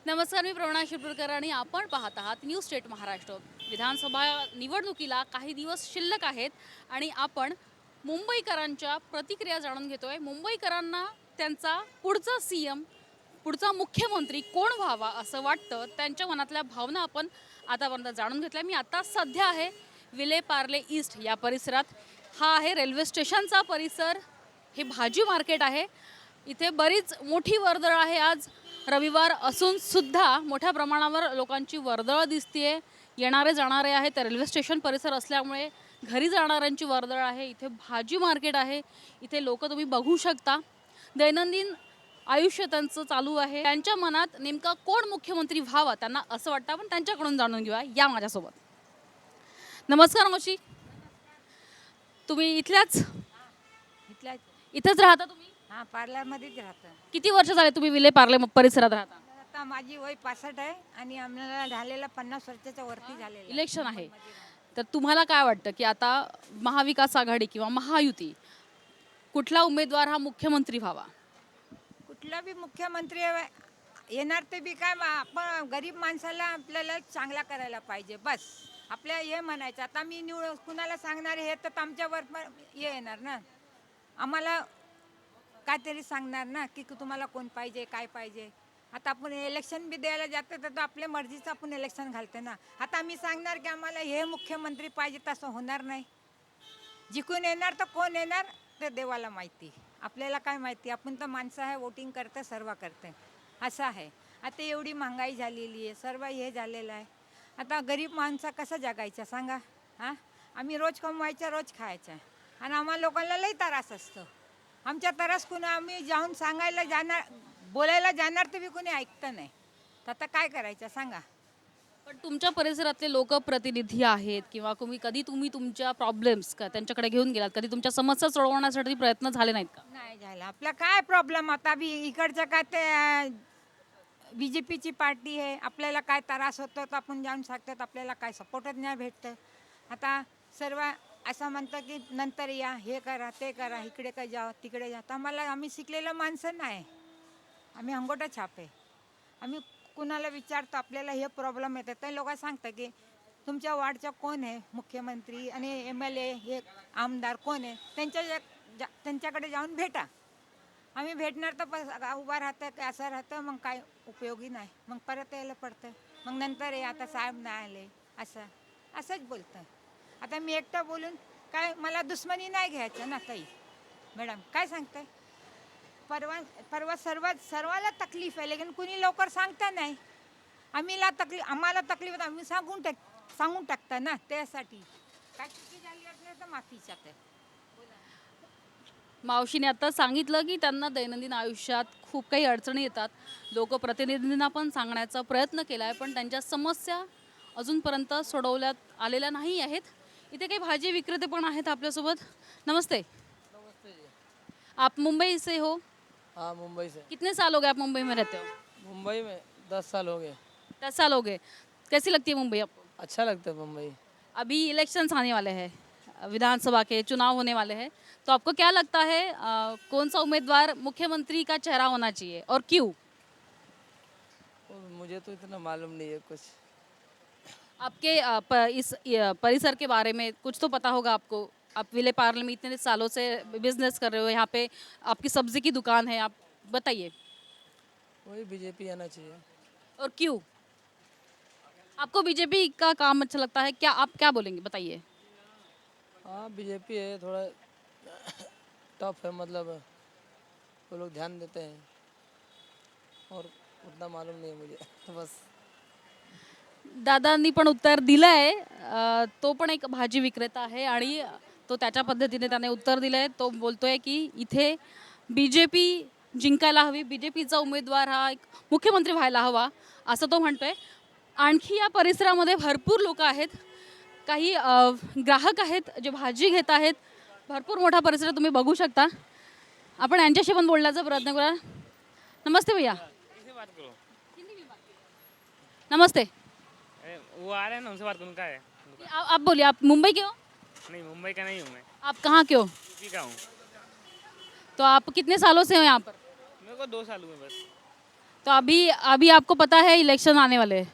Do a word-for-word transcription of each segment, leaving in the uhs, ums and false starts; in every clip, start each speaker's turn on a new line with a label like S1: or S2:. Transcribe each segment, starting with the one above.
S1: नमस्कार, मी प्रवणा शिरपूरकर आणि आपण पाहत आहात न्यूज स्टेट महाराष्ट्र. विधानसभा निवडणुकीला काही दिवस शिल्लक आहेत आणि आपण मुंबईकरांच्या प्रतिक्रिया जाणून घेतोय. मुंबईकरांना त्यांचा पुढचा सी एम पुढचा मुख्यमंत्री कोण व्हावा असं वाटतं, त्यांच्या मनातल्या भावना आपण आतापर्यंत जाणून घेतल्या. मी आता सध्या आहे विले पार्ले ईस्ट या परिसरात. हा आहे रेल्वे स्टेशनचा परिसर. हे भाजी मार्केट आहे. इथे बरीच मोठी वर्दळ आहे. आज रविवार असून सुद्धा मोठ्या प्रमाणावर लोकांची वर्दळ दिसतीये. येणारे जाणारे आहेत. रेल्वे स्टेशन परिसर असल्यामुळे घरी जाणाऱ्यांची वर्दळ आहे. इथे भाजी मार्केट आहे. इथे लोक तुम्ही बघू शकता. दैनंदिन आयुष्य त्यांचं चालू आहे. त्यांच्या मनात नेमका कोण मुख्यमंत्री व्हावा त्यांना असं वाटतं. आपण त्यांच्याकडून जाणून घेऊया. या माझ्यासोबत. नमस्कार मावशी, तुम्ही इथल्याच
S2: इथल्या
S1: इथेच राहता तुम्ही?
S2: हां, पार्लरमध्येच राहतं.
S1: किती वर्ष झाले तुम्ही विले पार्ले परिसरात राहता?
S2: आता माझी वय पासष्ट आहे आणि आम्हाला झालेला पन्नास वर्षाच्या वरती झालेलं आहे.
S1: इलेक्शन आहे, तर तुम्हाला काय वाटतं की आता महाविकास आघाडी किंवा महायुती कुठला उमेदवार हा मुख्यमंत्री व्हावा?
S2: कुठला बी मुख्यमंत्री येणार ते बी काय, आपण गरीब माणसाला आपल्याला चांगला करायला पाहिजे, बस आपल्या हे म्हणायचं. आता मी निवड कुणाला सांगणार हे तर आमच्यावर पण हे येणार ना, आम्हाला काहीतरी सांगणार ना की तुम्हाला कोण पाहिजे, काय पाहिजे. आता आपण इलेक्शन बी द्यायला जातो तर आपल्या मर्जीचं आपण इलेक्शन घालतो ना. आता आम्ही सांगणार की आम्हाला हे मुख्यमंत्री पाहिजे, तसं होणार नाही. जिकून येणार तर कोण येणार ते देवाला माहिती, आपल्याला काय माहिती. आपण तर माणसं आहे, वोटिंग करतं, सर्व करते, असं आहे. आता एवढी महागाई झालेली आहे, सर्व हे झालेलं आहे. आता गरीब माणसं कसं जगायचं सांगा? हां, आम्ही रोज कमवायचं, रोज खायचं आणि आम्हाला लोकांना लई त्रास असतो. आमच्या त्रास कुणा आम्ही जाऊन सांगायला जाणार, बोलायला जाणार तर बी कोणी ऐकतं नाही. तर आता काय करायचं सांगा?
S1: पण तुमच्या परिसरातले लोकप्रतिनिधी आहेत किंवा तुम्ही कधी तुम्ही तुमच्या प्रॉब्लेम्स का त्यांच्याकडे घेऊन गेलात? कधी तुमच्या समस्या सोडवण्यासाठी प्रयत्न झाले नाहीत का?
S2: नाही झालं. आपला काय प्रॉब्लेम आता बी इकडचं काय ते बी जे पीची पार्टी आहे. आपल्याला काय त्रास होतो तर आपण जाऊन सांगतात, आपल्याला काय सपोर्टच नाही भेटतं. आता सर्व असं म्हणतं की नंतर या, हे करा, ते करा, इकडे काय जा, तिकडे जा. तर आम्हाला, आम्ही शिकलेलं माणसं नाही, आम्ही अंगोठा छाप आहे. आम्ही कुणाला विचारतो आपल्याला हे प्रॉब्लेम येतात, ते लोक सांगतात की तुमच्या वार्डचा कोण आहे मुख्यमंत्री आणि एम एल ए हे आमदार कोण आहे, त्यांच्या जा त्यांच्याकडे जाऊन भेटा. आम्ही भेटणार तर बस उभा राहतं की असं राहतं, मग काय उपयोगी नाही, मग परत यायला पडतं. मग नंतर हे आता साहेब नाही आले, असं असंच बोलतं. आता मी एकटं बोलून काय, मला दुश्मनी नाही घ्यायचं ना ताई मॅडम, काय सांगताय? परवा परवा सर्व सर्वाला तकलीफ आहे, लेकिन कुणी लवकर सांगता नाही. आम्हीला तकलीफ, आम्हाला तकलीफ आहे, आम्ही सांगून टाक सांगून टाकता ना. त्यासाठी काय चुकी झाली असली तर माफीच्या ते.
S1: मावशीने आता सांगितलं की त्यांना दैनंदिन आयुष्यात खूप काही अडचणी येतात. लोकप्रतिनिधींना पण सांगण्याचा प्रयत्न केला आहे, पण त्यांच्या समस्या अजूनपर्यंत सोडवल्यात आलेल्या नाही आहेत. इथे काही भाजी विक्रेते पण आहेत आपल्यासोबत. नमस्ते.
S3: नमस्ते जी।
S1: आप मुंबई से हो?
S3: हाँ, मुंबई से।
S1: कितने साल हो गए आप मुंबई में रहते हो?
S3: मुंबई में दस साल हो गए।
S1: दस साल हो गए। कैसी लगती है मुंबई आपको?
S3: अच्छा लगता है मुंबई।
S1: अभी इलेक्शंस आने वाले हैं, विधानसभा के चुनाव होने वाले हैं, तो आपको क्या लगता है आ, कौन सा उम्मीदवार मुख्यमंत्री का चेहरा होना चाहिए और क्यों?
S3: और मुझे तो इतना मालूम नहीं है कुछ।
S1: आपके आ, प, इस य, परिसर के बारे में कुछ तो पता होगा आपको. आप विले पार्ले में इतने सालों से बिजनेस कर रहे हो, यहाँ पे आपकी सब्जी की दुकान है, आप बताइए
S3: वही बीजेपी आना चाहिए।
S1: और क्यों? आपको बीजेपी का काम अच्छा लगता है क्या? आप क्या बोलेंगे, बताइए.
S3: हाँ, बीजेपी है, थोड़ा टफ है, मतलब वो लोग ध्यान देते हैं और उतना मालूम नहीं है मुझे बस.
S1: दादांनी पण उत्तर दिलं आहे. अ, तो पण एक भाजी विक्रेता आहे आणि तो त्याच्या पद्धतीने त्याने उत्तर दिलं आहे. तो बोलतोय की इथे बी जे पी जिंकायला हवी, बी जे पीचा उमेदवार हा एक मुख्यमंत्री व्हायला हवा असं तो म्हणतोय. आणखी या परिसरामध्ये भरपूर लोक आहेत, काही अ, ग्राहक आहेत जे भाजी घेत आहेत. भरपूर मोठा परिसर तुम्ही बघू शकता. आपण यांच्याशी पण बोलण्याचा प्रयत्न करूया. नमस्ते भैया. नमस्ते.
S4: वो आ रहे हैं ना, उनसे बात करूँ क्या है?
S1: आप, आप बोलिए, आप मुंबई के हो?
S4: नहीं, मुंबई का नहीं हूँ मैं,
S1: आप कहाँ के हो?
S4: यूपी का हूँ।
S1: तो आप कितने सालों से हो यहाँ पर?
S4: मेरे को दो साल हुए बस।
S1: तो अभी अभी आपको पता है इलेक्शन आने वाले आहे.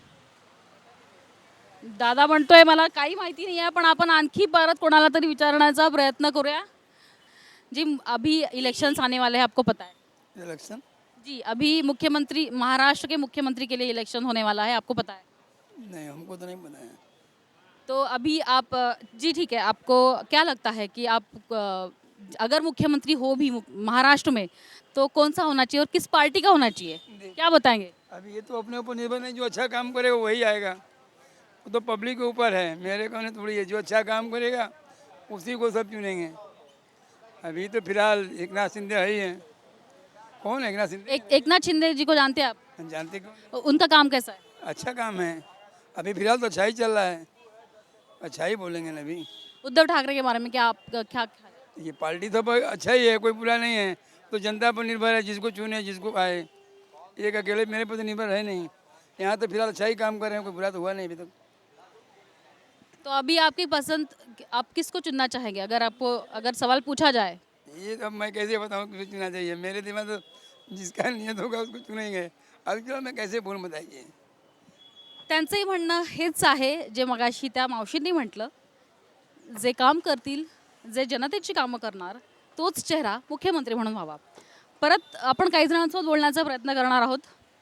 S1: दादा म्हणतोय मला काही माहिती नाही आहे, पण आपण आणखी परत कोणाला तरी विचारण्याचा प्रयत्न करूया. जी अभी इलेक्शंस आने वाले हैं, आपको पता है?
S5: इलेक्शन
S1: जी अभी मुख्यमंत्री महाराष्ट्र के मुख्यमंत्री के लिए इलेक्शन होने वाला है, आपको पता है?
S5: नहीं, हमको तो नहीं पता है.
S1: तो अभी आप जी ठीक है, आपको क्या लगता है कि आप अ, अगर मुख्यमंत्री हो भी मु- महाराष्ट्र में तो कौन सा होना चाहिए और किस पार्टी का होना चाहिए, क्या बताएंगे?
S5: अभी ये तो अपने ऊपर निर्भर नहीं, जो अच्छा काम करेगा वही आएगा. वो तो पब्लिक के ऊपर है, मेरे कहने थोड़ी है. जो अच्छा काम करेगा उसी को सब चुनेंगे. अभी तो फिलहाल एक नाथ शिंदे है ही है. कौन है एक नाथ शिंदे?
S1: एक एकनाथ शिंदे जी को जानते हैं आप?
S5: जानते कौन?
S1: उनका काम कैसा है?
S5: अच्छा काम है. अभी फिलहाल तो अच्छा ही चल रहा है. अच्छा ही बोलेंगे ना अभी.
S1: उद्धव ठाकरे के बारे में क्या आप क्या ख्याल है?
S5: ये पार्टी तो ब- अच्छा ही है, कोई बुरा नहीं है. तो जनता पर निर्भर है, जिसको चुने जिसको आए. एक अकेले मेरे पर तो निर्भर है नहीं. यहाँ तो फिलहाल अच्छा ही काम कर रहे हैं, कोई बुरा तो हुआ नहीं अभी तक.
S1: तो अभी आपकी पसंद, आप किसको चुनना चाहेंगे अगर आपको अगर सवाल पूछा जाए?
S5: ये अब मैं कैसे बताऊँ किसे चुनना चाहिए. मेरे दिमाग तो जिसका नियत होगा उसको चुनेंगे. अभी चलो मैं कैसे बोलूँ बताइए.
S1: त्यांचंही म्हणणं हेच आहे जे मगाशी त्या मावशींनी म्हटलं. जे काम करतील, जे जनतेची कामं करणार, तोच चेहरा मुख्यमंत्री म्हणून व्हावा. परत आपण काही जणांसोबत बोलण्याचा प्रयत्न करणार आहोत.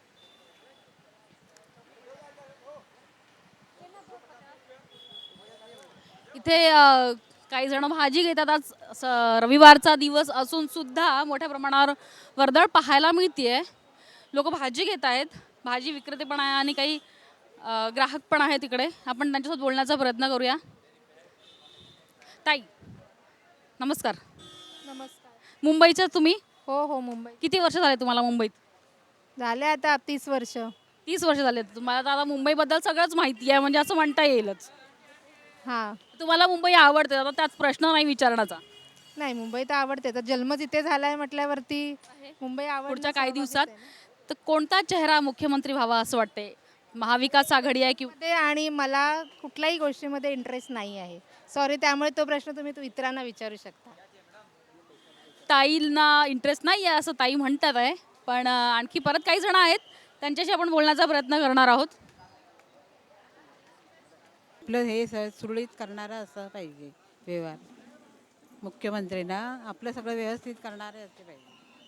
S1: इथे अ, काही जण भाजी घेतात. आज स- रविवारचा दिवस असून सुद्धा मोठ्या प्रमाणावर वर्दळ पाहायला मिळते. लोक भाजी घेत आहेत, भाजी विक्रेते पण आहे आणि काही अ, ग्राहक पण आहे तिकडे. आपण त्यांच्यासोबत बोलण्याचा प्रयत्न करूया. ताई नमस्कार.
S6: नमस्कार.
S1: मुंबईच्या तुम्ही?
S6: हो हो मुंबई
S1: किती वर्ष झाले तुम्हाला मुंबईत?
S6: झाले आता तीस वर्ष.
S1: तीस वर्ष झाले. तुम्हाला तर आता मुंबईबद्दल सगळंच माहिती आहे, म्हणजे असं म्हणता येईलच.
S6: हां
S1: तुम्हाला मुंबई आवडते, आता त्याच प्रश्न नाही विचारण्याचा.
S6: नाही मुंबई तर आवडते, तर जन्म जिथे झाला आहे म्हटल्यावरती मुंबई आवडणं
S1: पुढच्या काही
S6: स्वाभाविकच
S1: दिवसात
S6: आहे ना.
S1: तर कोणता चेहरा मुख्यमंत्री व्हावा असं वाटते? महाविकास आघाडी आहे की
S6: ते आणि मला कुठल्याही गोष्टीमध्ये इंटरेस्ट नाही आहे. सॉरी, त्यामुळे तो प्रश्न तुम्ही तू इतरांना विचारू शकता.
S1: ताईंना इंटरेस्ट नाही आहे असं ताई म्हणतात आहे. पण अ, आणखी परत काही जण आहेत, त्यांच्याशी आपण बोलण्याचा प्रयत्न करणार आहोत.
S7: आपलं हे स सुरळीत करणारं असं पाहिजे व्यवहार. मुख्यमंत्रीना आपलं सगळं व्यवस्थित करणारे असले पाहिजे.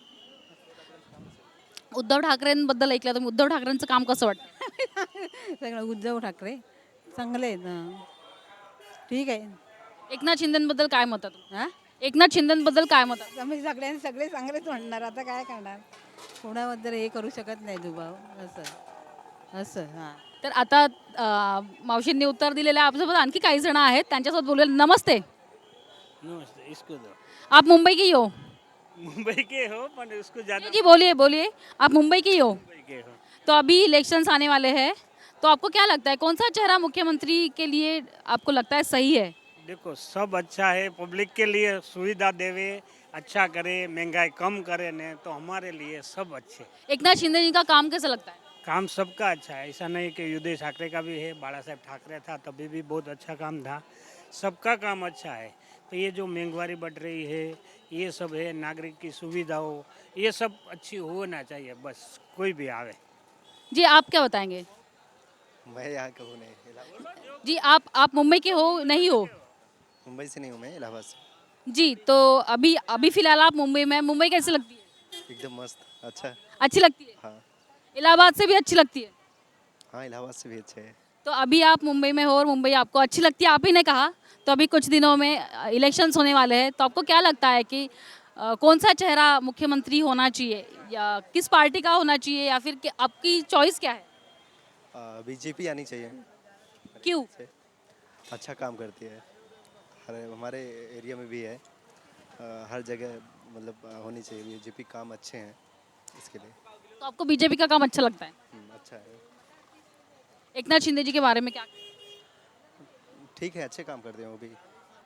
S1: उद्धव ठाकरेंबद्दल ऐकलं तर उद्धव ठाकरेंचं काम कसं वाटतं?
S7: सगळं उद्धव ठाकरे चांगले आहेत ना. ठीक आहे.
S1: एकनाथ शिंदेबद्दल काय मत आहे तुमचं?
S7: हां
S1: एकनाथ शिंदेबद्दल काय मत आहे?
S7: आम्ही सगळ्यांनी सगळे चांगलेच म्हणणार. आता काय करणार, कोणाबद्दल हे करू शकत नाही दुभाव असं असं हां.
S1: तर आता अ, मावशींनी उत्तर दिलेलं आहे. आपल्यासोबत आणखी काही जण आहेत, त्यांच्यासोबत बोलूया. नमस्ते.
S4: नमस्ते. इसको दो.
S1: आप मुंबई की हो?
S4: मुंबई के हो पर उसको
S1: जी
S4: ज़्यादा
S1: जी बोलिए बोलिए. आप मुंबई की हो?
S4: मुंबई के हो.
S1: तो अभी इलेक्शंस आने वाले हैं, तो आपको क्या लगता है कौन सा चेहरा मुख्यमंत्री के लिए आपको लगता है सही है?
S4: देखो सब अच्छा है, पब्लिक के लिए सुविधा देवे, अच्छा करे, महंगाई कम करे ने तो हमारे लिए सब अच्छे.
S1: एकनाथ शिंदे जी का काम कैसा लगता है?
S4: काम सबका अच्छा है, ऐसा नहीं कि युद्धेश ठाकरे का भी है. बाला साहेब ठाकरे था तभी भी बहुत अच्छा काम था. सबका काम अच्छा है. तो ये जो महंगाई बढ़ रही है, ये सब है, नागरिक की सुविधाओं, ये सब अच्छी होना चाहिए. बस कोई भी आवे.
S1: जी आप क्या बताएंगे?
S8: मैं यहाँ का हूँ नहीं, इलाहाबाद।
S1: जी आप आप मुंबई के हो नहीं हो?
S8: मुंबई से नहीं हूँ मैं, इलाहाबाद से.
S1: जी तो अभी अभी फिलहाल आप मुंबई में, मुंबई कैसी लगती है?
S8: एकदम मस्त, अच्छा.
S1: अच्छी लगती है?
S8: हाँ
S1: इलाहाबाद से भी अच्छी लगती है?
S8: हाँ, इलाहाबाद से भी अच्छा है.
S1: तो अभी आप मुंबई में हो और मुंबई आपको अच्छी लगती है, आप ही ने कहा. तो अभी कुछ दिनों में इलेक्शंस होने वाले हैं, तो आपको क्या लगता है कि अ, कौन सा चेहरा मुख्यमंत्री होना चाहिए, या किस पार्टी का होना चाहिए, या फिर कि- आपकी चॉइस क्या है?
S8: बीजेपी आनी चाहिए.
S1: क्यों?
S8: से अच्छा काम करती है. हर हमारे एरिया में भी है. अ, हर जगह मतलब अ, होनी चाहिए. बीजेपी काम अच्छे हैं इसके लिए.
S1: तो आपको बीजेपी का काम अच्छा लगता है?
S8: हम्म, अच्छा है.
S1: एकनाथ शिंदे जी के बारे में क्या?
S8: ठीक है, अच्छे काम करते हैं वो भी.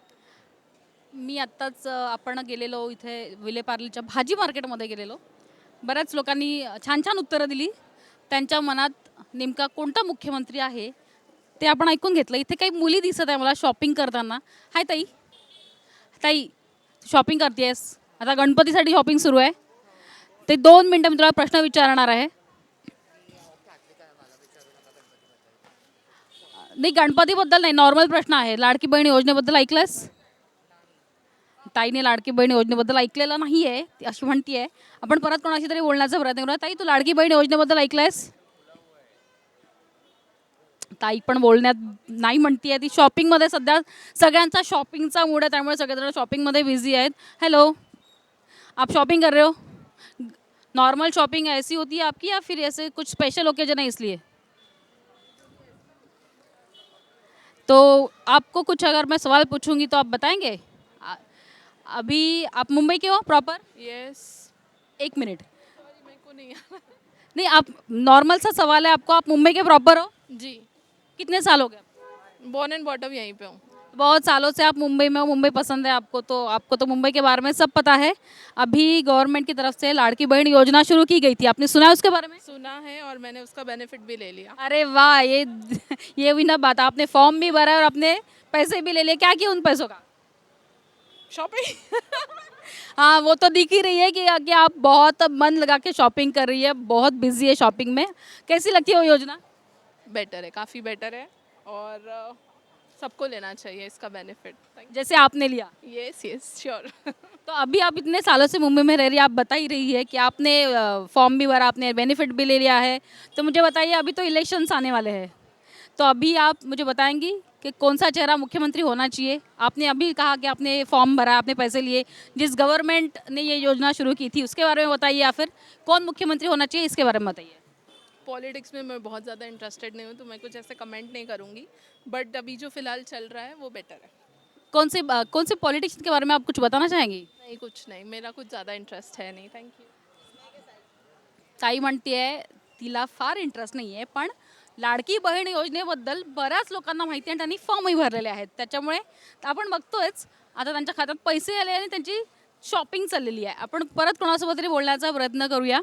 S1: मी आत्ताच अ, आपण गेलेलो इथे विलेपार्लेच्या भाजी मार्केटमध्ये गेलेलो. बऱ्याच लोकांनी छान छान उत्तरं दिली. त्यांच्या मनात नेमका कोणता मुख्यमंत्री आहे ते आपण ऐकून घेतलं. इथे काही मुली दिसत आहे मला शॉपिंग करताना. हाय ताई. ताई शॉपिंग करतेस, आता गणपतीसाठी शॉपिंग सुरू आहे. ते दोन मिनटं मी तुला प्रश्न विचारणार आहे. नाही, गणपतीबद्दल नाही, नॉर्मल प्रश्न आहे. लाडकी बहीण योजनेबद्दल ऐकलंस? ताईने लाडकी बहीण योजनेबद्दल ऐकलेलं नाही आहे, ती अशी म्हणतीये. आपण परत कोणाशी तरी बोलण्याचा प्रयत्न करूया. ताई, तू लाडकी बहीण योजनेबद्दल ऐकलंयस? ताई पण बोलण्यात नाही म्हणतीये. ती शॉपिंगमध्ये सध्या सगळ्यांचा शॉपिंगचा मूड आहे, त्यामुळे सगळेजण शॉपिंगमध्ये बिझी आहेत. हॅलो, आप शॉपिंग कर रहे हो? नॉर्मल शॉपिंग ऐसी होती है आपकी या फिर ऐसे कुछ स्पेशल ओकेजन है इसलिए? तो आपको कुछ अगर मैं सवाल पूछूंगी तो आप बताएंगे? आ- अभी आप मुंबई के हो प्रॉपर?
S9: यस।
S1: एक मिनट.
S9: मेरे को नहीं
S1: नहीं, आप नॉर्मल सा सवाल है आपको. आप मुंबई के प्रॉपर हो?
S9: जी,
S1: कितने साल हो गए?
S9: बॉर्न एंड बॉटम यहीं पे हूँ।
S1: बहुत सालों से आप मुंबई में हो, मुंबई पसंद है आपको, तो आपको तो मुंबई के बारे में सब पता है. अभी गवर्नमेंट की तरफ से लाड़की बहन योजना शुरू की गई थी, आपने सुना है उसके बारे में?
S9: सुना है और मैंने उसका बेनिफिट भी ले लिया।
S1: अरे वाह, ये ये हुई ना बात. आपने फॉर्म भी भरा है और आपने पैसे भी ले लिए. क्या किया उन पैसों का?
S9: शॉपिंग।
S1: हाँ, वो तो दिख ही रही है कि कि आप बहुत मन लगा के शॉपिंग कर रही है, बहुत बिजी है शॉपिंग में. कैसी लगती है वो योजना?
S9: बेटर है, काफ़ी बेटर है और अ, सबको लेना चाहिए इसका बेनिफिट।
S1: जैसे आपने लिया.
S9: Yes yes sure.
S1: तो अभी आप इतने सालों से मुंबई में रह रही है, आप बता ही रही है कि आपने फॉर्म भी भरा, आपने बेनिफिट भी ले लिया है. तो मुझे बताइए, अभी तो इलेक्शंस आने वाले हैं, तो अभी आप मुझे बताएंगी कि कौन सा चेहरा मुख्यमंत्री होना चाहिए? आपने अभी कहा कि आपने फॉर्म भरा, आपने पैसे लिए, जिस गवर्नमेंट ने ये योजना शुरू की थी उसके बारे में बताइए, या फिर कौन मुख्यमंत्री होना चाहिए इसके बारे में बताइए.
S9: पॉलिटिक्स में मैं बहुत ज़्यादा इंटरेस्टेड नहीं हूँ तो मैं कुछ ऐसे कमेंट नहीं करूँगी, बट अभी जो फ़िलहाल चल रहा है वो बेटर है।
S1: कौन से अ, कौन से पॉलिटिशियन के बारे में आप कुछ बताना चाहेंगी?
S9: नहीं, कुछ नहीं, मेरा कुछ ज़्यादा इंटरेस्ट है नहीं। Thank you.
S1: ताई म्हणते तिला फार इंटरेस्ट नाही आहे, पण लाडकी बहीण योजनेबद्दल बऱ्याच लोकांना माहिती आहे आणि त्यांनी फॉर्मही भरलेले आहेत. त्याच्यामुळे आपण बघतोयच आता त्यांच्या खात्यात पैसे आले आणि त्यांची शॉपिंग चाललेली आहे. आपण परत कोणासोबत तरी बोलण्याचा प्रयत्न करूया.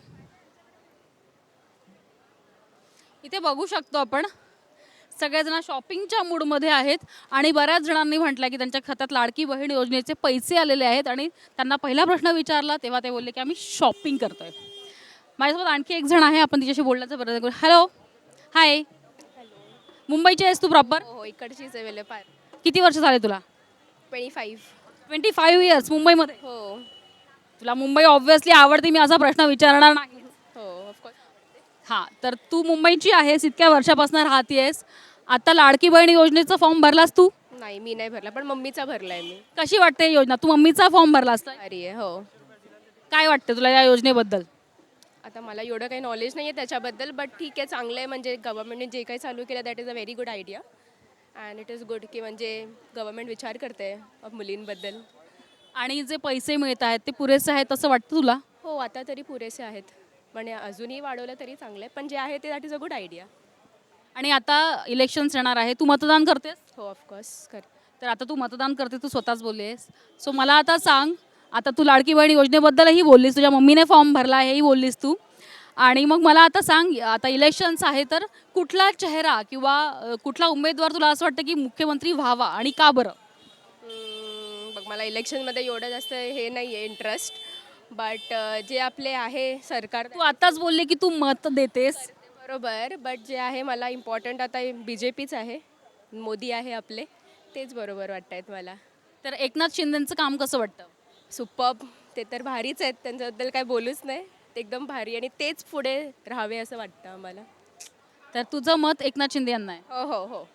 S1: इथे बघू शकतो आपण सगळेजण शॉपिंगच्या मूडमध्ये आहेत आणि बऱ्याच जणांनी म्हटलं की त्यांच्या खात्यात लाडकी बहीण योजनेचे पैसे आलेले आहेत आणि त्यांना पहिला प्रश्न विचारला तेव्हा ते बोलले की आम्ही शॉपिंग करतोय. माझ्यासोबत आणखी एक जण आहे, आपण तिच्याशी बोलण्याचा प्रयत्न करू. Hello, hi. मुंबईची आहेस तू प्रॉपर?
S10: हो, इकडचीच आहे वेलेपार.
S1: किती वर्ष झाले तुला?
S10: Twenty five.
S1: Twenty five years मुंबईमध्ये.
S10: हो
S1: तुला मुंबई ऑब्व्हियसली आवडते, मी असा प्रश्न विचारणार नाही.
S10: हो ऑफकोर्स.
S1: हां, तर तू मुंबईची आहेस, इतक्या वर्षापासून राहतेस. आता लाडकी बहीण योजनेचा फॉर्म भरलास तू?
S10: नाही, मी नाही भरला, पण मम्मीचा भरलाय मी.
S1: कशी वाटते ही योजना? तू मम्मीचा फॉर्म भरलास तर
S10: अरे आहे. हो,
S1: काय वाटते तुला या योजनेबद्दल?
S10: आता मला एवढं काही नॉलेज नाही आहे त्याच्याबद्दल, बट ठीक आहे, चांगलं आहे. म्हणजे गव्हर्नमेंटने जे काही चालू केलं that is a very good idea and it is good की म्हणजे गव्हर्नमेंट विचार करते मुलींबद्दल.
S1: आणि जे पैसे मिळत आहेत ते पुरेसे आहेत असं वाटतं तुला?
S10: हो, आता तरी पुरेसे आहेत, म्हणजे अजूनही वाढवलं तरी चांगलं आहे, पण जे आहे ते that is a good idea.
S1: आणि आता इलेक्शन्स येणार आहे, तू मतदान करतेस?
S10: हो ऑफकोर्स कर.
S1: तर आता तू मतदान करते, तू स्वतःच बोललीस. सो मला आता सांग, आता तू लाडकी बहीण योजनेबद्दलही बोललीस, तुझ्या मम्मीने फॉर्म भरला हेही बोललीस तू. आणि मग मला आता सांग, आता इलेक्शन्स आहे तर कुठला चेहरा किंवा अ, कुठला उमेदवार तुला असं वाटतं की मुख्यमंत्री व्हावा आणि का बरं?
S10: हम्म, बघ, मला इलेक्शनमध्ये एवढं जास्त हे नाही आहे इंटरेस्ट, बट जे आपले आहे सरकार
S1: तू आताच बोलले की तू मत देतेस.
S10: बरोबर, बट जे आहे मला इम्पॉर्टंट आता बी जे पीच आहे, मोदी आहे आपले, तेच बरोबर वाटत आहेत मला.
S1: तर एकनाथ शिंदेचं काम कसं वाटतं?
S10: सुपर्ब, ते तर भारीच आहेत, त्यांच्याबद्दल काय बोलूच नाही, ते एकदम भारी आणि तेच पुढे राहावे असं वाटतं आम्हाला.
S1: तर तुझं मत एकनाथ शिंदे यांना आहे?
S10: हो हो हो.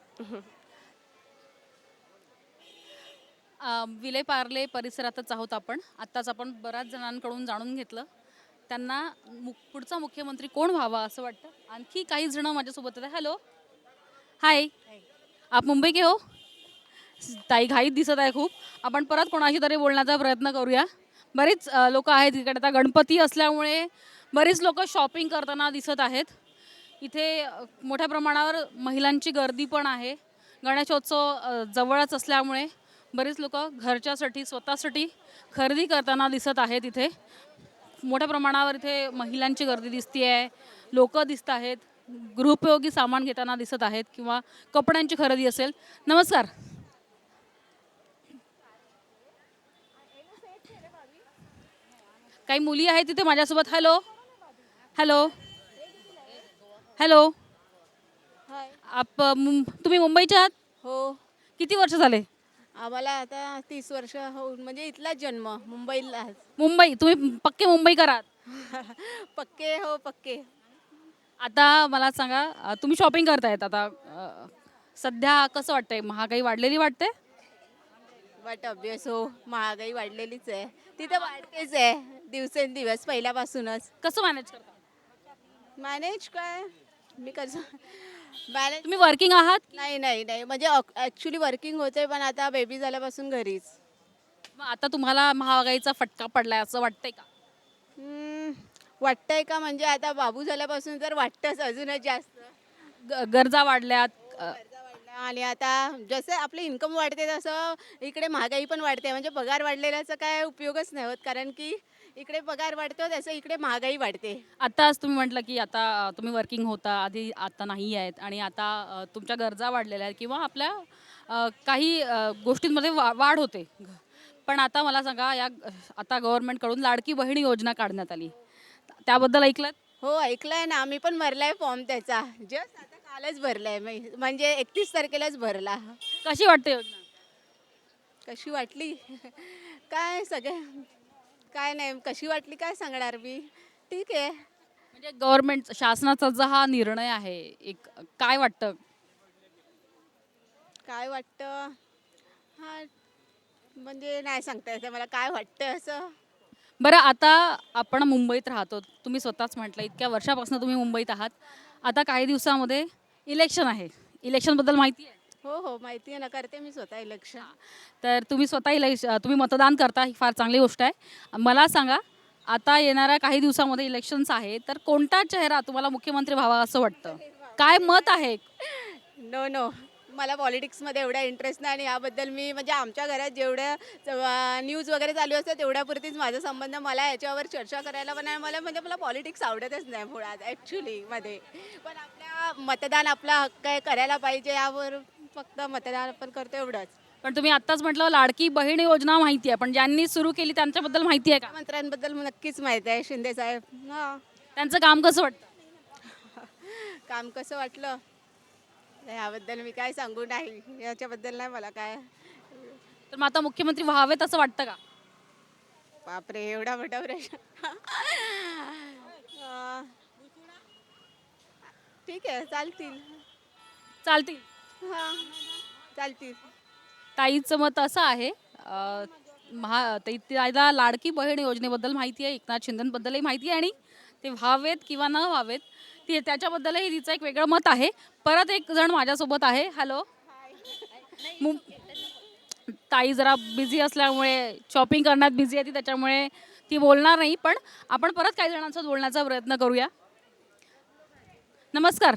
S1: अ, विले पार्ले परिसरातच आहोत आपण. आत्ताच आपण बऱ्याच जणांकडून जाणून घेतलं त्यांना मु पुढचा मुख्यमंत्री कोण व्हावा असं वाटतं. आणखी काही जण माझ्यासोबत आहेत. Hello, hi. आप मुंबई के हो? ताई घाईत दिसत आहे खूप. आपण परत कोणाशी तरी बोलण्याचा प्रयत्न करूया. बरेच लोक आहेत इकडे. आता गणपती असल्यामुळे बरीच लोक शॉपिंग करताना दिसत आहेत. इथे अ, मोठ्या प्रमाणावर महिलांची गर्दी पण आहे. गणेशोत्सव अ, जवळच असल्यामुळे बरीच लोक घरच्यासाठी स्वतःसाठी खरेदी करताना दिसत आहेत. इथे मोठ्या प्रमाणावर इथे महिलांची गर्दी दिसते आहे, लोक दिसत आहेत, गृहोपयोगी सामान घेताना दिसत आहेत किंवा कपड्यांची खरेदी असेल. नमस्कार. काही मुली आहेत तिथे माझ्यासोबत. Hello, hello, hello.
S11: हाय
S1: आप मुं- तुम्ही मुंबईच्या आहात?
S11: हो
S1: किती वर्ष झाले?
S11: आम्हाला आता तीस वर्ष होऊन म्हणजे इथलाच जन्म मुंबईला
S1: मुंबई, तुम्ही पक्के मुंबईकर आहात.
S11: पक्के हो पक्के
S1: आता मला सांगा, अ, तुम्ही शॉपिंग करतायत आता, अ, सध्या कसं वाटतंय? महागाई वाढलेली वाटते?
S11: बट ऑब्विस हो महागाई वाढलेलीच आहे तिथे वाढतेच आहे दिवसेंदिवस पहिल्यापासूनच
S1: कसं मॅनेज करता?
S11: मॅनेज काय मी कसं मॅनेज
S1: तुम्ही वर्किंग आहात?
S11: नाही नाही नाही म्हणजे ॲक्च्युली वर्किंग होते पण आता बेबी झाल्यापासून घरीच
S1: मग आता तुम्हाला महागाईचा फटका पडलाय असं वाटतंय का?
S11: हम्म, वाटतंय का म्हणजे आता बाबू झाल्यापासून तर वाटतंच अजूनच जास्त
S1: ग- गरजा वाढल्यात, अ,
S11: खर्च वाढला आणि आता जसं आपले इन्कम वाढते तसं इकडे महागाई पण वाढते म्हणजे पगार वाढलेल्याचा काय उपयोगच नाही होत कारण की इकडे पगार वाढतो त्याचं इकडे महागाई वाढते
S1: आताच तुम्ही म्हटलं की आता अ, तुम्ही वर्किंग होता आधी, आता नाही आहेत आणि आता अ, तुमच्या गरजा वाढलेल्या आहेत किंवा आपल्या अ, काही अ, गोष्टींमध्ये वा वाढ होते. पण आता मला सांगा, या आता गव्हर्नमेंटकडून लाडकी बहीण योजना काढण्यात आली, त्याबद्दल ऐकलं?
S11: हो ऐकलंय ना आम्ही पण भरलाय फॉर्म त्याचा जस्ट आता कालच भरलाय मी म्हणजे एकतीस तारखेलाच भरला
S1: कशी वाटते योजना?
S11: कशी वाटली काय सगळे काय नाही कशी वाटली काय सांगणार मी ठीक आहे
S1: म्हणजे गव्हर्नमेंट शासनाचा जो हा निर्णय आहे, एक काय वाटतं?
S11: काय वाटतं हा म्हणजे नाही सांगता येतं मला काय वाटतं असं
S1: बरं, आता आपण मुंबईत राहतो, तुम्ही स्वतःच म्हटलं इतक्या वर्षापासून तुम्ही मुंबईत आहात. आता काही दिवसामध्ये इलेक्शन आहे, इलेक्शनबद्दल माहिती आहे?
S11: हो हो माहिती आहे ना करते मी स्वतः इलेक्शन
S1: तर तुम्ही स्वतः इलेक्श तुम्ही मतदान करता, ही फार चांगली गोष्ट आहे. मला सांगा, आता येणाऱ्या काही दिवसामध्ये इलेक्शन्स आहे, तर कोणता चेहरा तुम्हाला मुख्यमंत्री व्हावा असं वाटतं? काय मत आहे?
S11: नो नो मला पॉलिटिक्समध्ये एवढा इंटरेस्ट नाही आणि याबद्दल मी म्हणजे आमच्या घरात जेवढ्या न्यूज वगैरे चालू असतात तेवढ्यापुरतीच माझा संबंध मला याच्यावर चर्चा करायला पण नाही मला म्हणजे मला पॉलिटिक्स आवडतच नाही मुळात ॲक्च्युली मध्ये पण आपल्या मतदान आपला हक्क आहे करायला पाहिजे यावर फक्त मतदान आपण करतो एवढंच
S1: पण तुम्ही आत्ताच म्हटलं लाडकी बहीण योजना माहिती आहे, पण ज्यांनी सुरू केली त्यांच्याबद्दल माहिती आहे का?
S11: मंत्र्यांबद्दल नक्कीच माहीत आहे शिंदे साहेब हां
S1: त्यांचं काम कसं वाटतं?
S11: काम कसं वाटलं याबद्दल मी काय सांगू नाही याच्याबद्दल नाही मला काय
S1: तर मग आता मुख्यमंत्री व्हावेत असं वाटतं का?
S11: बापरे एवढा मोठा प्रश्न अं, ठीक आहे चालतील
S1: चालतील.
S11: हां चालतील
S1: ताईचं मत असं आहे, अ, महा ताई- ताईला लाडकी बहीण योजनेबद्दल माहिती आहे, एकनाथ शिंदेबद्दलही माहिती आहे आणि ते व्हावेत किंवा न व्हावेत ती त्याच्याबद्दलही तिचं एक वेगळं मत आहे. परत एक जण माझ्यासोबत आहे. हॅलो. मुं ताई जरा बिझी असल्यामुळे, शॉपिंग करण्यात बिझी आहे ती, त्याच्यामुळे ती बोलणार नाही. पण आपण परत काही जणांसोबत बोलण्याचा प्रयत्न करूया. नमस्कार.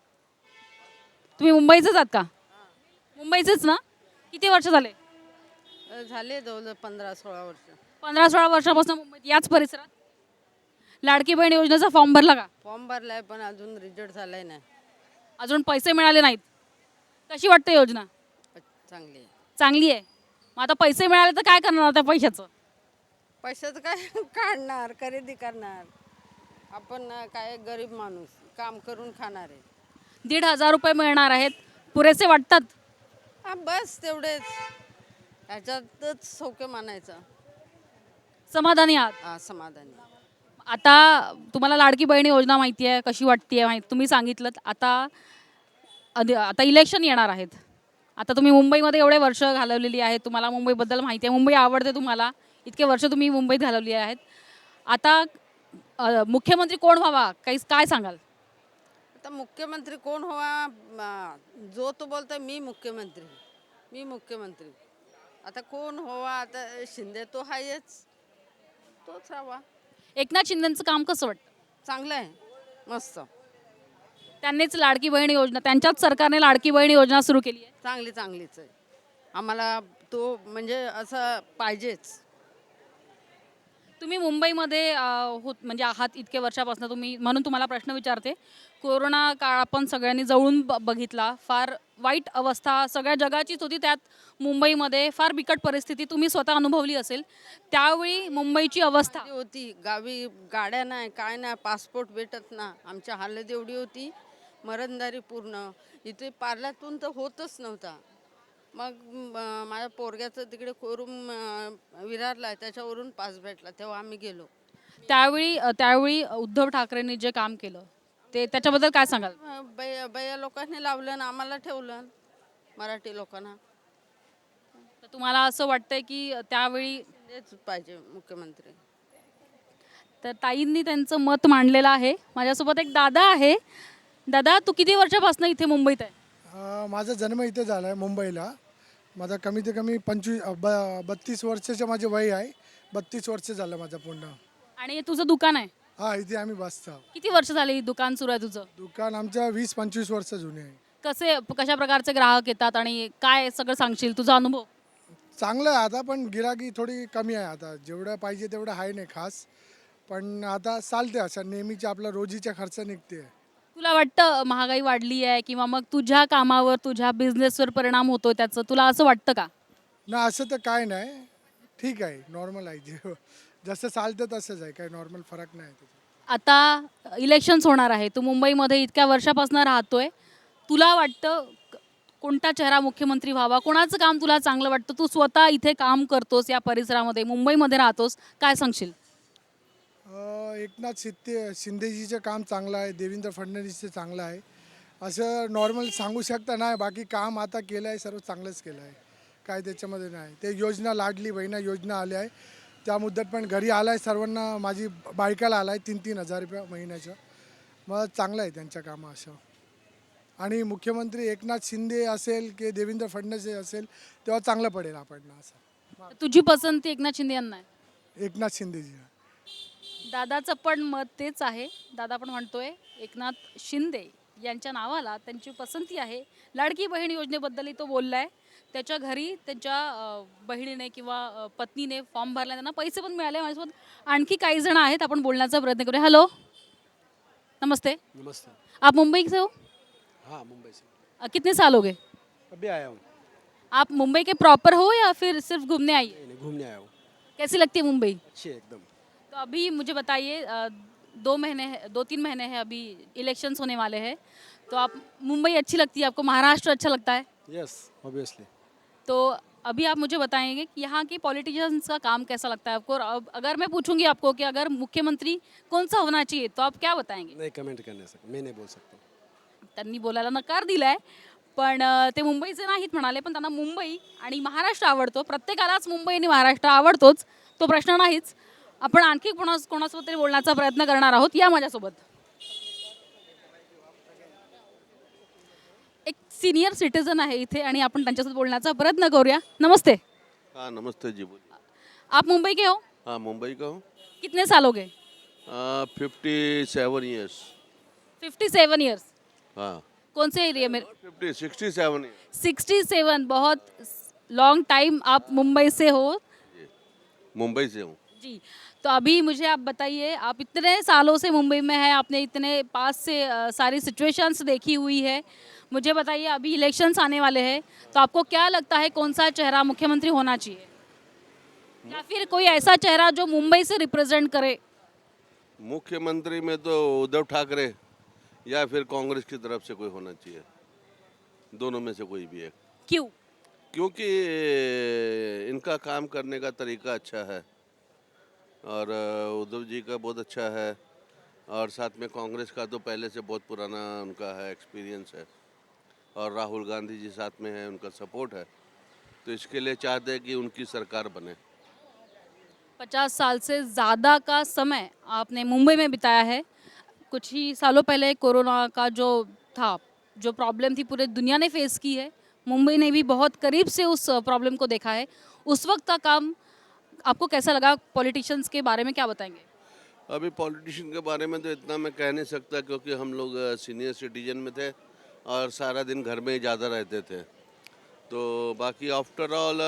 S1: तुम्ही मुंबईचेच आहात का? मुंबईचेच ना? किती वर्ष झाले?
S7: झाले जवळ पंधरा सोळा वर्ष
S1: पंधरा सोळा वर्षापासून मुंबईत याच परिसरात? लाडकी बहीण योजनेचा फॉर्म भरला का?
S7: फॉर्म भरलाय पण अजून रिझल्ट झालाय नाही
S1: अजून पैसे मिळाले नाहीत. कशी वाटते योजना?
S7: चांगली
S1: चांगली आहे. मग आता पैसे मिळाले तर काय करणार त्या पैशाचं?
S7: पैशाचं काय काढणार खरेदी करणार आपण ना काय गरीब माणूस काम करून खाणार आहे
S1: दीड हजार रुपये मिळणार आहेत, पुरेसे वाटतात?
S7: हा बस तेवढेच ह्याच्यातच सौख्य मानायचं
S1: समाधानी आहात?
S7: हा समाधानी
S1: आता तुम्हाला लाडकी बहीण योजना माहिती आहे, कशी वाटते माहिती तुम्ही सांगितलं. आता अध- आता इलेक्शन येणार आहेत. आता तुम्ही मुंबईमध्ये एवढे वर्ष घालवलेली आहेत, तुम्हाला मुंबईबद्दल माहिती आहे, मुंबई आवडते तुम्हाला, इतके वर्ष तुम्ही मुंबईत घालवली आहेत. आता अ, मुख्यमंत्री कोण व्हावा, काही काय सांगाल?
S7: आता मुख्यमंत्री कोण व्हावा म, जो तो बोलतोय मी मुख्यमंत्री मी मुख्यमंत्री आता कोण व्हावा आता शिंदे तो आहेच तोच राहावा.
S1: एकनाथ शिंदेचं काम कसं वाटतं?
S7: चांगलं आहे मस्त
S1: त्यांनीच लाडकी बहीण योजना, त्यांच्याच सरकारने लाडकी बहीण योजना सुरू केली आहे.
S7: चांगली चांगलीच आहे आम्हाला तो म्हणजे असं पाहिजेच.
S1: तुम्ही मुंबईमध्ये अ, होत म्हणजे आहात इतके वर्षापासून तुम्ही, म्हणून तुम्हाला प्रश्न विचारते. कोरोना काळ आपण सगळ्यांनी जवळून ब बघितला, फार वाईट अवस्था सगळ्या जगाचीच होती, त्यात मुंबईमध्ये फार बिकट परिस्थिती तुम्ही स्वतः अनुभवली असेल. त्यावेळी मुंबईची अवस्था
S7: होती गावी गाड्या नाही काय नाही पासपोर्ट भेटत ना आमच्या हालत एवढी होती मरणदारी पूर्ण इथे पार्ल्यातून तर होतच नव्हता. मग म- माझ्या पोरग्याचं तिकडे कोरून अं, विरारला आहे, त्याच्यावरून पास भेटला, तेव्हा आम्ही गेलो.
S1: त्यावेळी अ, त्यावेळी उद्धव ठाकरेंनी जे काम केलं ते त्याच्याबद्दल काय सांगाल?
S7: अं, बया बया लोकांनी लावलं आणि आम्हाला ठेवलं, मराठी लोकांना.
S1: तर तुम्हाला असं वाटतंय की त्यावेळी
S7: तेच पाहिजे मुख्यमंत्री.
S1: तर ताईंनी त्यांचं मत मांडलेलं आहे. माझ्यासोबत एक दादा आहे. दादा, तू किती वर्षापासून इथे मुंबईत आहे?
S12: अ, माझा जन्म इथे झाला आहे मुंबईला. माझा कमीत कमी पंचवीस अ, ब बत्तीस वर्षाचं माझे वय आहे. बत्तीस वर्ष झालं माझं पूर्ण.
S1: आणि हे तुझं दुकान आहे?
S12: हा, इथे आम्ही बसतो.
S1: किती वर्ष झाली ही दुकान सुरू आहे तुझं?
S12: दुकान आमचं वीस पंचवीस वर्ष जुने आहे.
S1: कसे कशा प्रकारचे ग्राहक येतात आणि काय सगळं सांगशील तुझा अनुभव?
S12: चांगलं आहे आता, पण गिराकी थोडी कमी आहे आता. जेवढं पाहिजे तेवढं आहे नाही खास, पण आता चालते असं नेहमीचे आपला रोजीचा खर्च निघते.
S1: तुला वाटतं महागाई वाढली आहे किंवा मग तुझ्या कामावर तुझ्या बिझनेसवर परिणाम होतो त्याचं, तुला असं वाटतं का?
S12: ना, असं तर काय नाही, ठीक आहे, नॉर्मल आहे. जे जसं चालतं तसंच आहे, काही नॉर्मल फरक नाही त्याच्यात.
S1: आता इलेक्शन्स होणार आहे, तू मुंबईमध्ये इतक्या वर्षापासून राहतोय, तुला वाटतं क- कोणता चेहरा मुख्यमंत्री व्हावा? कोणाचं काम तुला चांगलं वाटतं? तू स्वतः इथे काम करतोस, या परिसरामध्ये मुंबईमध्ये राहतोस, काय सांगशील?
S12: अ, एकनाथ शिंदे शिंदेजीचं काम चांगलं आहे, देवेंद्र फडणवीसचं चांगलं आहे. असं नॉर्मल सांगू शकता नाही, बाकी काम आता केलं आहे सर्व चांगलंच केलं आहे, काय त्याच्यामध्ये नाही. ते योजना लाडली बहिणा योजना आल्या आहे, त्या मुद्द्यात पण घरी आला आहे सर्वांना, माझी बायकाला आला आहे तीन तीन हजार रुपये महिन्याचं. मग चांगलं आहे त्यांचं कामं असं. आणि मुख्यमंत्री एकनाथ शिंदे असेल की देवेंद्र फडणवीस असेल तेव्हा चांगलं पडेल आपण असं.
S1: तुझी पसंती एकनाथ शिंदे यांना आहे?
S12: एकनाथ शिंदेजी.
S1: दादाचं पण मत तेच आहे. दादा पण म्हणतोय एकनाथ शिंदे यांच्या नावाला त्यांची पसंती आहे. लाडकी बहीण योजनेबद्दलही तो बोललाय. त्याच्या घरी त्यांच्या अ, बहिणीने किंवा अ, पत्नीने फॉर्म भरला, त्यांना पैसे पण मिळाले. माझ्यासोबत आणखी काही जण आहेत, आपण बोलण्याचा प्रयत्न करूया. हॅलो, नमस्ते.
S13: नमस्ते.
S1: आप मुंबई से हो?
S13: हाँ, मुंबई से
S1: अ, कितने साल हो गए?
S13: अभी आया हूँ।
S1: आप मुंबई के प्रॉपर हो या फिर सिर्फ घूमने आई?
S13: नहीं, नहीं, घूमने आया हूँ।
S1: कैसी लगती है मुंबई?
S13: अच्छी है एकदम।
S1: तो अभी मुझे बताइए, अ, दो महीने है- दो तीन महीने हैं, अभी इलेक्शंस होने वाले हैं, तो आप मुंबई अच्छी लगती है आपको? महाराष्ट्र अच्छा लगता है?
S13: Yes, obviously.
S1: तो अभी आप मुझे बताएंगे कि यहाँ के पॉलिटिशियंस का काम कैसा लगता है आपको? और अब अगर मैं पूछूंगी आपको कि अगर मुख्यमंत्री कौन सा होना चाहिए, तो आप क्या बताएंगे?
S13: नहीं कमेंट करने सकता, मैं नहीं बोल सकता।
S1: त्यांनी बोलायला नकार दिलाय, पण अ, ते मुंबईचे नाहीत म्हणाले, पण त्यांना मुंबई आणि महाराष्ट्र आवडतो. प्रत्येकालाच मुंबई आणि महाराष्ट्र आवडतोच, तो प्रश्न नाहीच. आपण आणखी कोणा कोणासोबत तरी बोलण्याचा प्रयत्न करणार आहोत. या माझ्यासोबत. एक सिनियर सिटीजन आहे इथे आणि आपण त्यांच्यासोबत बोलण्याचा प्रयत्न करूया. नमस्ते.
S14: हाँ नमस्ते जी, बोलिए।
S1: आप मुंबई के हो?
S14: हाँ, मुंबई का हूँ।
S1: कितने साल हो गए?
S14: Fifty seven years.
S1: Fifty seven years.
S14: हाँ,
S1: कौन से एरिया में?
S14: Fifty sixty seven years.
S1: Sixty seven, बहुत लॉन्ग टाइम आप मुंबई से हो?
S14: मुंबई से हूँ
S1: जी। तो अभी मुझे आप बताइए, आप इतने सालों से मुंबई में हैं, आपने इतने पास से अ, सारी सिचुएशंस देखी हुई है, मुझे बताइए अभी इलेक्शंस आने वाले हैं, तो आपको क्या लगता है कौन सा चेहरा मुख्यमंत्री होना चाहिए, या फिर कोई ऐसा चेहरा जो मुंबई से रिप्रेजेंट करे?
S14: मुख्यमंत्री में तो उद्धव ठाकरे या फिर कांग्रेस की तरफ से कोई होना चाहिए, दोनों में से कोई भी एक।
S1: क्यों?
S14: क्योंकि इनका काम करने का तरीका अच्छा है और अ, उद्धव जी का बहुत अच्छा है, और साथ में कांग्रेस का तो पहले से बहुत पुराना उनका है, एक्सपीरियंस है, और राहुल गांधी जी साथ में है, उनका सपोर्ट है, तो इसके लिए चाहते हैं कि उनकी सरकार बने।
S1: पचास साल से ज़्यादा का समय आपने मुंबई में बिताया है। कुछ ही सालों पहले कोरोना का जो था, जो प्रॉब्लम थी पूरे दुनिया ने फेस की है, मुंबई ने भी बहुत करीब से उस प्रॉब्लम को देखा है। उस वक्त का काम आपको कैसा लगा? पॉलिटिशियंस के बारे में क्या बताएंगे?
S14: अभी पॉलिटिशियन के बारे में तो इतना मैं कह नहीं सकता, क्योंकि हम लोग सीनियर सिटीजन में थे और सारा दिन घर में ही ज़्यादा रहते थे। तो बाकी आफ्टर ऑल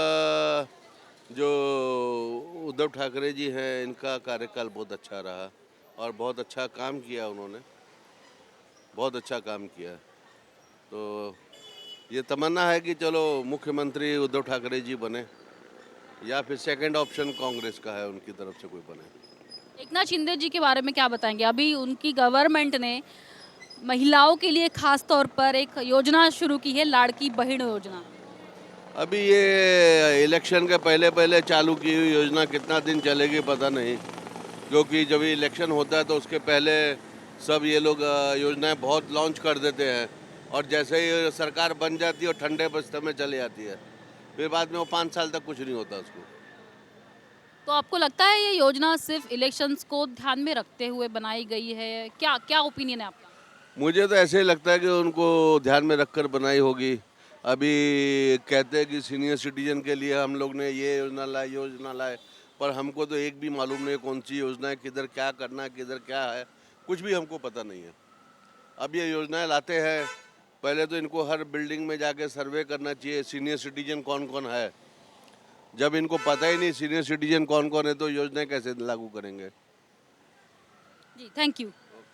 S14: जो उद्धव ठाकरे जी हैं, इनका कार्यकाल बहुत अच्छा रहा और बहुत अच्छा काम किया उन्होंने, बहुत अच्छा काम किया। तो ये तमन्ना है कि चलो मुख्यमंत्री उद्धव ठाकरे जी बने, या फिर सेकंड ऑप्शन कांग्रेस का है, उनकी तरफ से कोई बने।
S1: एकनाथ शिंदे जी के बारे में क्या बताएंगे? अभी उनकी गवर्नमेंट ने महिलाओं के लिए खास तौर पर एक योजना शुरू की है, लाड़की बहन योजना।
S14: अभी ये इलेक्शन के पहले पहले चालू की हुई योजना कितना दिन चलेगी पता नहीं, क्योंकि जब इलेक्शन होता है तो उसके पहले सब ये लोग अ, योजनाएं बहुत लॉन्च कर देते हैं और जैसे ही सरकार बन जाती है और ठंडे बस्ते में चली जाती है, फिर बाद में वो पाँच साल तक कुछ नहीं होता उसको।
S1: तो आपको लगता है ये योजना सिर्फ इलेक्शंस को ध्यान में रखते हुए बनाई गई है? क्या क्या ओपिनियन है आपका?
S14: मुझे तो ऐसे ही लगता है कि उनको ध्यान में रखकर बनाई होगी। अभी कहते हैं कि सीनियर सिटीजन के लिए हम लोग ने ये योजना लाए योजना लाए, पर हमको तो एक भी मालूम नहीं कौन सी योजना है, किधर क्या करना है, किधर क्या है, कुछ भी हमको पता नहीं है। अब ये योजनाएं लाते हैं, पहले तो इनको हर बिल्डिंग में जाके सर्वे करना चाहिए सीनियर सिटीजन कौन कौन है। जब इनको पता ही नहीं सीनियर सिटीजन कौन कौन है तो योजनाएं कैसे लागू करेंगे।
S1: जी, थँक्यू.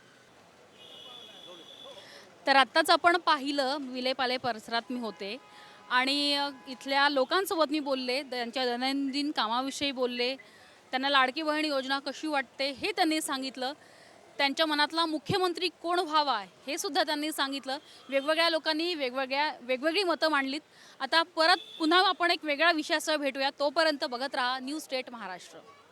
S1: तर आत्ताच आपण पाहिलं विलेपाले परिसरात मी होते आणि अ, इथल्या लोकांसोबत मी बोलले, त्यांच्या दैनंदिन कामाविषयी बोलले, त्यांना लाडकी बहीण योजना कशी वाटते हे त्यांनी सांगितलं. त्यांच्या मनातला मुख्यमंत्री कोण व्हावा हे सुद्धा त्यांनी सांगितलं. वेगवेगळ्या लोकांनी वेगवेगळ्या वेगवेगळी मतं मांडलीत. आता परत पुन्हा आपण एक वेगळ्या विषयासह भेटूया. तोपर्यंत बघत राहा न्यूज स्टेट महाराष्ट्र.